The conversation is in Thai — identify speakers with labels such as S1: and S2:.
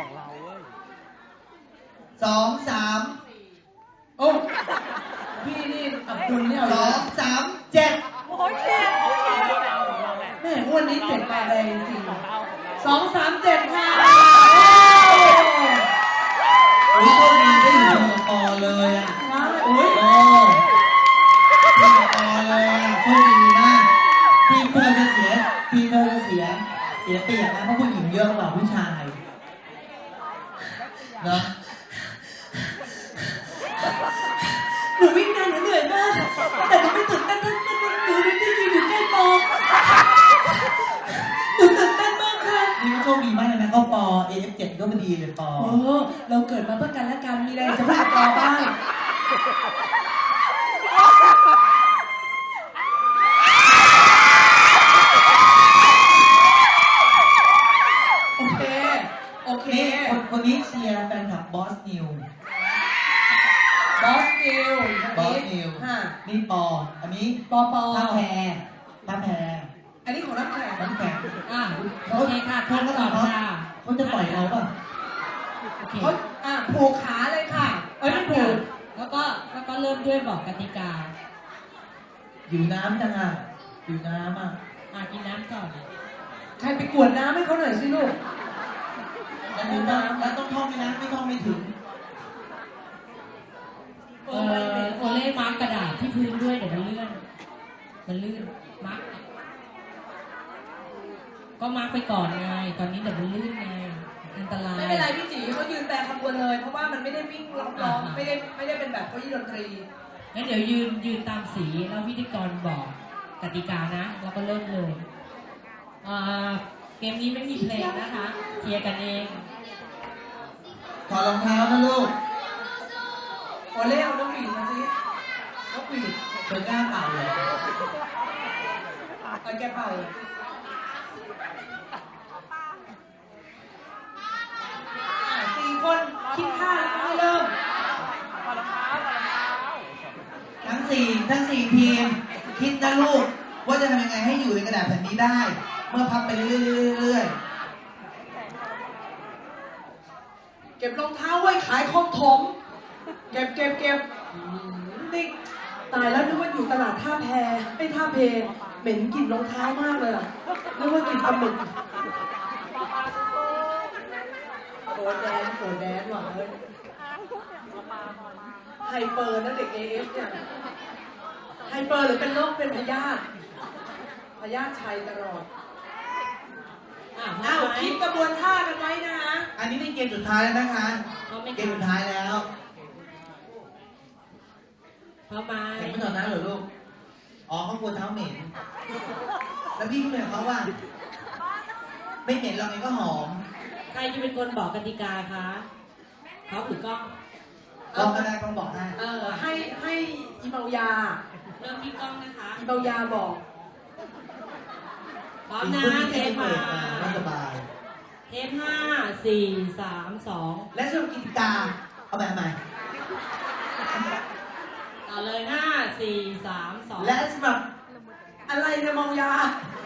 S1: 2 3
S2: โอ้พี่นี่อับดุลเนี่ย
S1: 2 3 7
S2: โอ้ยเก่งแม่อ้วนนี้เจ็บมาแรงจริง2 3 7ค่ะ
S1: โอ้ยโชคดีได้อยู่กับปอเลยอ่ะ
S2: โอ้ย
S1: อยู่กับปอเลยอ่ะโชคดีมากทีมเธอจะเสียเปรียบนะเพราะผู้หญิงเยอะกว่าผู้ชายเนาะ
S2: หนูวิ่งนานหนูเหนื่อยมากแต่หนูไม่ตื่นเต้นหนูไม่ได้ยืนอยู่ใกล้ปอหนูตื่นเต้นมากค่ะ
S1: นี่ก็โชคดีมากเลยนะก็ปอ AF7 ก็พอดีเลยปอ
S2: เราเกิดมาเพื่อกันและกันมีอะไรจะพูดกับปอบ้างโอเค
S1: คนนี้เชียร์แฟนคลับบอสนิวนี่ปออันนี้
S2: ปอ
S1: ท่าแพ
S2: อันนี้ของน้ำแข็ง
S3: โอเคค่ะคนก่อนค่ะ
S1: เขาจะปล่อยเราป่ะ
S2: เขาผูกขาเลยค่ะ
S3: ไม่ผูกแล้วก็เริ่มด้วยบอกกติกา
S1: อยู่น้ำจังอยู่น้ำ
S3: กินน้ำก่อน
S2: ใครไปกวดน้ำให้เขาหน่อยสิลูก
S1: แล้วต้องท่องไหมนะไม่ท่องไม่ถึง
S3: โอเล่มาร์กกระดาษที่พื้นด้วยเดี๋ยวมันลื่นมาร์กก็มาร์กไปก่อนไงตอนนี้เดี๋ยวมันลื่นไงอันตราย
S2: ไม่เป็นไรพี่จีเขายืนแต่ขบวนเลยเพราะว่ามันไม่ได้วิ่งล้อมไม่ได้เป็นแบบเก้าอี้ดนตรี
S3: งั้นเดี๋ยวยืนตามสีแล้วพิธีกรบอกกติกานะแล้วก็เริ่มเลยเกมนี้ไม่มีเพลงนะคะเชียร์กันเอง
S1: ถอดรองเท้านะลูก
S2: โอเล่เอานกหวีดมาสินกหวีด
S1: เธอกล้าเป่าเลย
S2: แกเป่า4 คนคิดท่าแล้วก็เริ่ม
S1: ทั้ง4ทีมคิดนะลูกว่าจะทำยังไงให้อยู่ในกระดาษแผ่นนี้ได้เมื่อพับไปเรื่อย
S2: เก็บรองเท้าไว้ขายของถมเก็บนี่ตายแล้วนึกว่าอยู่ตลาดท่าแพไม่ท่าเพเหม็นกลิ่นรองเท้ามากเลยอ่ะนึกว่ากลิ่นปลาหมึกโกรธแดนว่ะเฮ้ยไฮเปอร์นะเด็ก AF เนี่ยไฮเปอร์หรือเป็นโรคเป็นพยาธิชัยตลอดคิดกระบวนท่ากันไว้นะฮะ
S1: อันนี้เป็นเกมสุดท้ายแล้วนะคะเกมสุดท้ายแล้ว
S3: พร้อมไหม
S1: เห็นไม่ถอดน้ำเหรอลูกเขากลัวเท้าเหม็นแล้วพี่ก็เหม็นเขาว่าไม่เหม็นหรอกไงก็หอม
S3: ใครจะเป็นคนบอกกติกาคะเขาหรือกล้อง
S1: ก็ได้ต้องบอก
S2: ให้อีเมายา
S3: เริ่มที่กล้องนะคะ
S2: อีเมายาบอก
S3: พร้อมนะเทปมา
S1: ไม่สบาย
S3: เทป5 4 3 2
S1: และสรุปกติกาเอาแบบใหม่
S3: ต่อเลย5 4 3 2
S2: และสำหรับอะไรเนี่ยเมายา